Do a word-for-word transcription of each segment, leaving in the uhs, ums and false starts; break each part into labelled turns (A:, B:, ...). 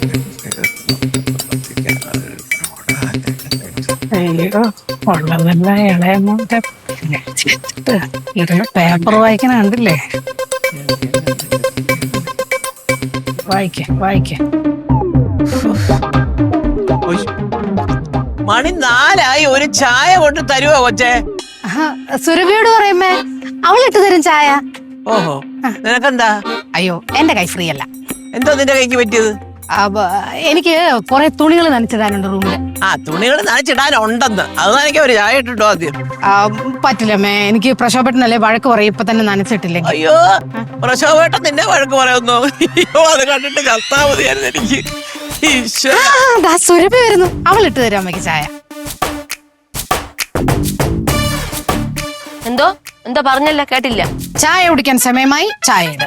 A: അയ്യോ ഉള്ളതല്ല ഇളയമോന്റെ പേപ്പർ വായിക്കണ കണ്ടില്ലേ? വായിക്ക വായിക്ക.
B: മണി നാലായി, ഒരു ചായ കൊണ്ട് തരുവോ കൊച്ചേ?
A: സുരഭിയോട് പറയുമ്പേ അവളിട്ട് തരും ചായ.
B: ഓഹോ, നിനക്കെന്താ?
A: അയ്യോ എന്റെ കൈ ഫ്രീ അല്ല.
B: എന്തോ നിന്റെ കൈക്ക് പറ്റിയത്?
A: എനിക്ക് കുറെ തുണികൾ നനച്ചിടാനുണ്ട് റൂമില്.
B: ആ, തുണികൾ നനച്ചിടാനുണ്ടെന്ന് അത് നനയ്ക്ക് ഒരു ചായ ഇട്ടിട്ടോ ആദ്യം.
A: പറ്റില്ലമ്മേ, എനിക്ക് പ്രശോഭട്ടനല്ലേ വഴക്ക് പറയും ഇപ്പൊ തന്നെ നനച്ചിട്ടില്ലേ.
B: അയ്യോ, പ്രശോഭേട്ടൻ നിന്നെ വഴക്ക് പറയുന്നു? അയ്യോ, അത് കണ്ടിട്ട് ചത്താ മതിയായിരുന്നു എനിക്ക്.
A: സുരഭി വരുന്നു, അവൾ ഇട്ട് തരും അമ്മയ്ക്ക് ചായ.
C: എന്തോ എന്തോ പറഞ്ഞല്ല, കേട്ടില്ല.
A: ചായ കുടിക്കാൻ സമയമായി, ചായ ഇട്.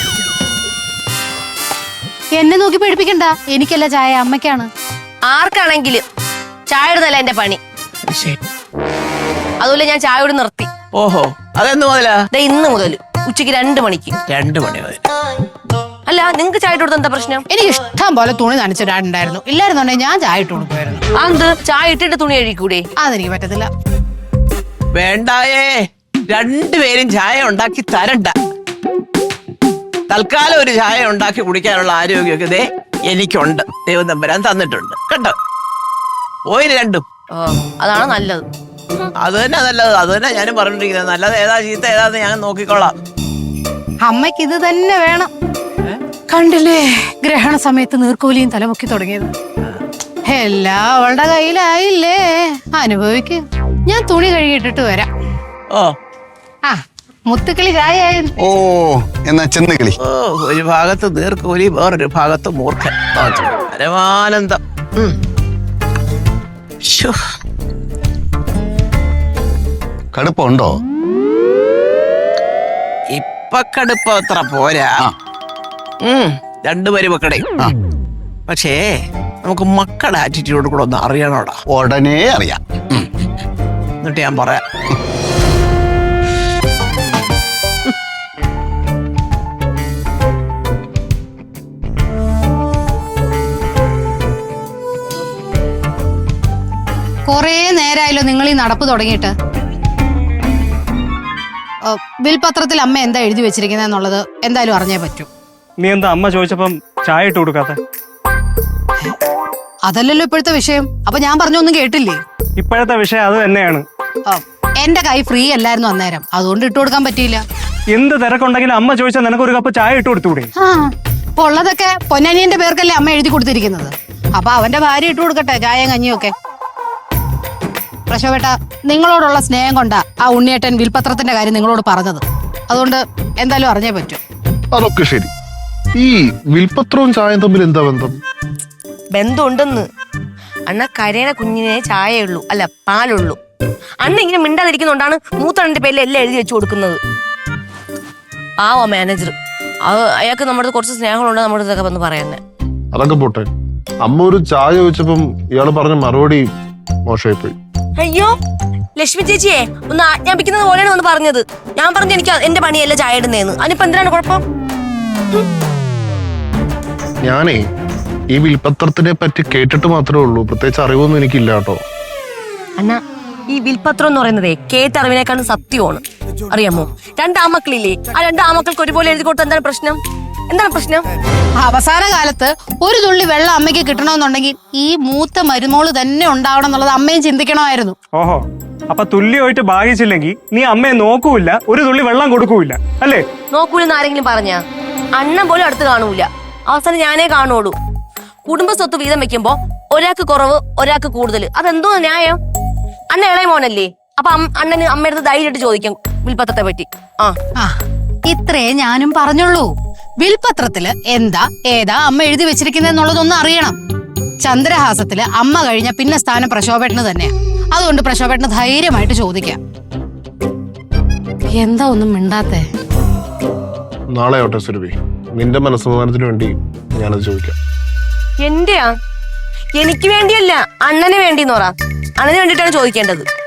A: എന്നെ നോക്കി പേടിപ്പിക്കണ്ട, എനിക്കല്ല ചായ, അമ്മയ്ക്കാണ്.
C: ആർക്കാണെങ്കിലും ചായ ഇടുന്നല്ല എന്റെ പണി. അതുപോലെ ഞാൻ ചായ ഇട് നിർത്തി.
B: ഓഹോ, അതെന്ന് മുതലാ?
C: ഇന്ന് മുതൽ ഉച്ചക്ക് രണ്ടു മണിക്ക്.
B: രണ്ടു മണി മുതൽ?
C: അല്ല, നിങ്ങക്ക് ചായ ഇട്ട് കൊടുത്ത എന്താ പ്രശ്നം?
A: എനിക്ക് ഇഷ്ടം പോലെ തുണി നനച്ചിടാനുണ്ടായിരുന്നു. ഇല്ലായിരുന്നുണ്ടെങ്കിൽ ഞാൻ ചായ ഇട്ട് കൊടുക്കുമായിരുന്നു.
C: അത് ചായ ഇട്ടിട്ട് തുണി കഴിക്കൂടെ?
A: അതെനിക്ക് പറ്റത്തില്ല.
B: വേണ്ടായേ, രണ്ടുപേരും ചായ ഉണ്ടാക്കി തരണ്ട. തൽക്കാലം ഒരു ചായ ഉണ്ടാക്കി കുടിക്കാനുള്ള ആരോഗ്യമൊക്കെ ദേ എനിക്കുണ്ട്, ദൈവം തമ്പുരാൻ തന്നിട്ടുണ്ട് കേട്ടോ. പോയിന് രണ്ടും.
C: അതാണ് നല്ലത്.
B: അത് തന്നെ നല്ലത്, അത് തന്നെ ഞാനും പറഞ്ഞിരിക്കുന്നത്. നല്ലത് ഏതാ ചീത്ത ഏതാന്ന് ഞാൻ നോക്കിക്കോളാം.
A: അമ്മയ്ക്ക് ഇത് തന്നെ വേണം. കണ്ടില്ലേ ഗ്രഹണ സമയത്ത് നീർക്കോലിയും തലമുക്കി തുടങ്ങിയത്? എല്ലാം അവളുടെ കയ്യിലായില്ലേ, അനുഭവിക്ക്. ഞാൻ തുണി കഴുകിയിട്ടിട്ട് വരാം.
B: ഓ
A: ആ, മുത്തുക്കിളി ചായ.
D: ഓ എന്നാ ചെന്നുകിളി.
B: ഓ, ഒരു ഭാഗത്ത് നീർക്കോലി, വേറൊരു ഭാഗത്ത് മൂർഖൻ. പരമാനന്ദം.
D: കടുപ്പുണ്ടോ?
B: ഇപ്പൊ കടുപ്പ അത്ര പോരാ. ഉം രണ്ടു പേര് മക്കളെ. പക്ഷേ നമുക്ക് മക്കളുടെ ആറ്റിറ്റ്യൂഡ് കൂടെ ഒന്ന് അറിയണോടാ.
D: ഉടനെ അറിയാം.
B: എന്നിട്ട് ഞാൻ പറയാം.
A: കൊറേ നേരായല്ലോ നിങ്ങൾ ഈ നടപ്പ് തുടങ്ങിയിട്ട്. ബിൽപത്രത്തിൽ അമ്മ എന്താ എഴുതി വെച്ചിരിക്കുന്നത് എന്നുള്ളത് എന്തായാലും അറിഞ്ഞേ പറ്റൂ.
E: നീ എന്താ അമ്മ ചോദിച്ചപ്പം ചായ ഇട്ട് കൊടുക്കാത്ത?
A: അതല്ലല്ലോ ഇപ്പോഴത്തെ വിഷയം. അപ്പൊ ഞാൻ പറഞ്ഞൊന്നും കേട്ടില്ലേ?
E: ഇപ്പോഴത്തെ വിഷയം അത് തന്നെയാണ്.
A: എന്റെ കൈ ഫ്രീ അല്ലായിരുന്നു അന്നേരം, അതുകൊണ്ട് ഇട്ട് കൊടുക്കാൻ പറ്റിയില്ല.
E: എന്ത് തിരക്കുണ്ടെങ്കിലും അമ്മ ചോദിച്ചാൽ നിനക്ക് ഒരു കപ്പ് ചായ ഇട്ട് കൊടുത്തൂടെ?
A: ആ, അപ്പൊ ഉള്ളതൊക്കെ പൊന്നനിയന്റെ പേർക്കല്ലേ അമ്മ എഴുതി കൊടുത്തിരിക്കുന്നത്. അപ്പൊ അവന്റെ ഭാര്യ ഇട്ട് കൊടുക്കട്ടെ ചായയും കഞ്ഞിയും ഒക്കെ. പ്രശോഭേട്ട, നിങ്ങളോടുള്ള സ്നേഹം കൊണ്ടാ ആ ഉണ്ണിയേട്ടൻ വിൽപത്രത്തിന്റെ കാര്യം നിങ്ങളോട് പറഞ്ഞത്. അതുകൊണ്ട് എന്തായാലും അറിഞ്ഞേ പറ്റൂ.
F: അതൊക്കെ ശരി. ഈ വിൽപത്രവും ചായയും തമ്മിൽ എന്താ ബന്ധം?
C: ബന്ധമുണ്ടെന്ന്. അണ്ണ കരയണ കുഞ്ഞിനെ ചായയുള്ളൂ, അല്ല പാലുള്ളൂ. അണ്ണ ഇങ്ങനെ മിണ്ടാതിരിക്കുന്നോണ്ടാണ് മൂത്തണ്ണന്റെ പേരിൽ എല്ലാം എഴുതി വെച്ചു കൊടുക്കുന്നത്. പാവോ മാനേജർ, അത് അയാൾക്ക് നമ്മുടെ കുറച്ച് സ്നേഹമുണ്ട്, നമ്മുടെ ഇതൊക്കെ വന്ന് പറയുന്നത്.
F: അതൊക്കെ പോട്ടെ, അമ്മ ഒരു ചായ ചോദിച്ചപ്പം ഇയാള് പറഞ്ഞ മറുപടി മോശമായി പോയി.
C: അയ്യോ, ലക്ഷ്മി ചേച്ചിയെ ഒന്ന് ആജ്ഞാപിക്കുന്നത് പോലെയാണ് ഒന്ന് പറഞ്ഞത്. ഞാൻ പറഞ്ഞു എനിക്ക് എന്റെ പണിയല്ല ചായ ഇടുന്നേന്ന്. അതിനിപ്പോ എന്തിനാണ് കുഴപ്പം?
F: ഞാനേ ഈ വിൽപത്രത്തിനെ പറ്റി കേട്ടിട്ട് മാത്രമേ ഉള്ളൂ, പ്രത്യേകിച്ച് അറിവൊന്നും എനിക്കില്ല കേട്ടോ.
C: അണ്ണ, ഈ വിൽപത്രം എന്ന് പറയുന്നതേ കേട്ടറിവിനേക്കാളും സത്യമാണ്. അറിയാമോ? രണ്ടാമക്കളില്ലേ, ആ രണ്ടാമക്കൾക്ക് ഒരുപോലെ എഴുതി കൊടുത്ത എന്താണ് പ്രശ്നം? എന്താണ് പ്രശ്നം?
A: അവസാന കാലത്ത് ഒരു തുള്ളി വെള്ളം അമ്മയ്ക്ക് കിട്ടണമെന്നുണ്ടെങ്കിൽ ഈ മൂത്ത മരുമോള് തന്നെ ഉണ്ടാവണം എന്നുള്ളത് അമ്മയും ചിന്തിക്കണമായിരുന്നു.
E: ഓഹോ, അപ്പൊ തുല്യമായിട്ട് ഭാഗിച്ചില്ലെങ്കിൽ നീ അമ്മയെ നോക്കൂല, ഒരു തുള്ളി വെള്ളം കൊടുക്കൂല അല്ലേ?
C: നോക്കൂലെന്ന് ആരെങ്കിലും പറഞ്ഞാ? അണ്ണൻ പോലും അടുത്ത് കാണൂല, അവസാനം ഞാനേ കാണുള്ളൂ. കുടുംബ സ്വത്ത് വീതം വെക്കുമ്പോ ഒരാൾക്ക് കുറവ് ഒരാൾക്ക് കൂടുതൽ, അതെന്തോ ന്യായം? അണ്ണ ഇളയ മോനല്ലേ, അപ്പൊ അണ്ണന് അമ്മയടുത്ത് ധൈര്യമായിട്ട് ചോദിക്കാം വിൽപത്രത്തെ പറ്റി. ആ,
A: ഇത്രേ ഞാനും പറഞ്ഞുള്ളൂ. വിൽപത്രത്തില് എന്താ ഏതാ അമ്മ എഴുതി വെച്ചിരിക്കുന്നെന്നുള്ളതൊന്നും അറിയണം. ചന്ദ്രഹാസത്തില് അമ്മ കഴിഞ്ഞ പിന്നെ സ്ഥാനം പ്രശോഭേട്ടന് തന്നെയാ. അതുകൊണ്ട് പ്രശോഭേട്ടന് ധൈര്യമായിട്ട് ചോദിക്കാം. എന്താ ഒന്നും മിണ്ടാത്തേ?
F: നാളെ ആവട്ടെ സുരഭി, നിന്റെ മനസ്സമാധാനത്തിന് വേണ്ടി ഞാനത് ചോദിക്കാം.
C: എന്റെയാ? എനിക്ക് വേണ്ടിയല്ല, അണ്ണന് വേണ്ടിന്ന് പറ. അണ്ണന് വേണ്ടിയിട്ടാണ് ചോദിക്കേണ്ടത്.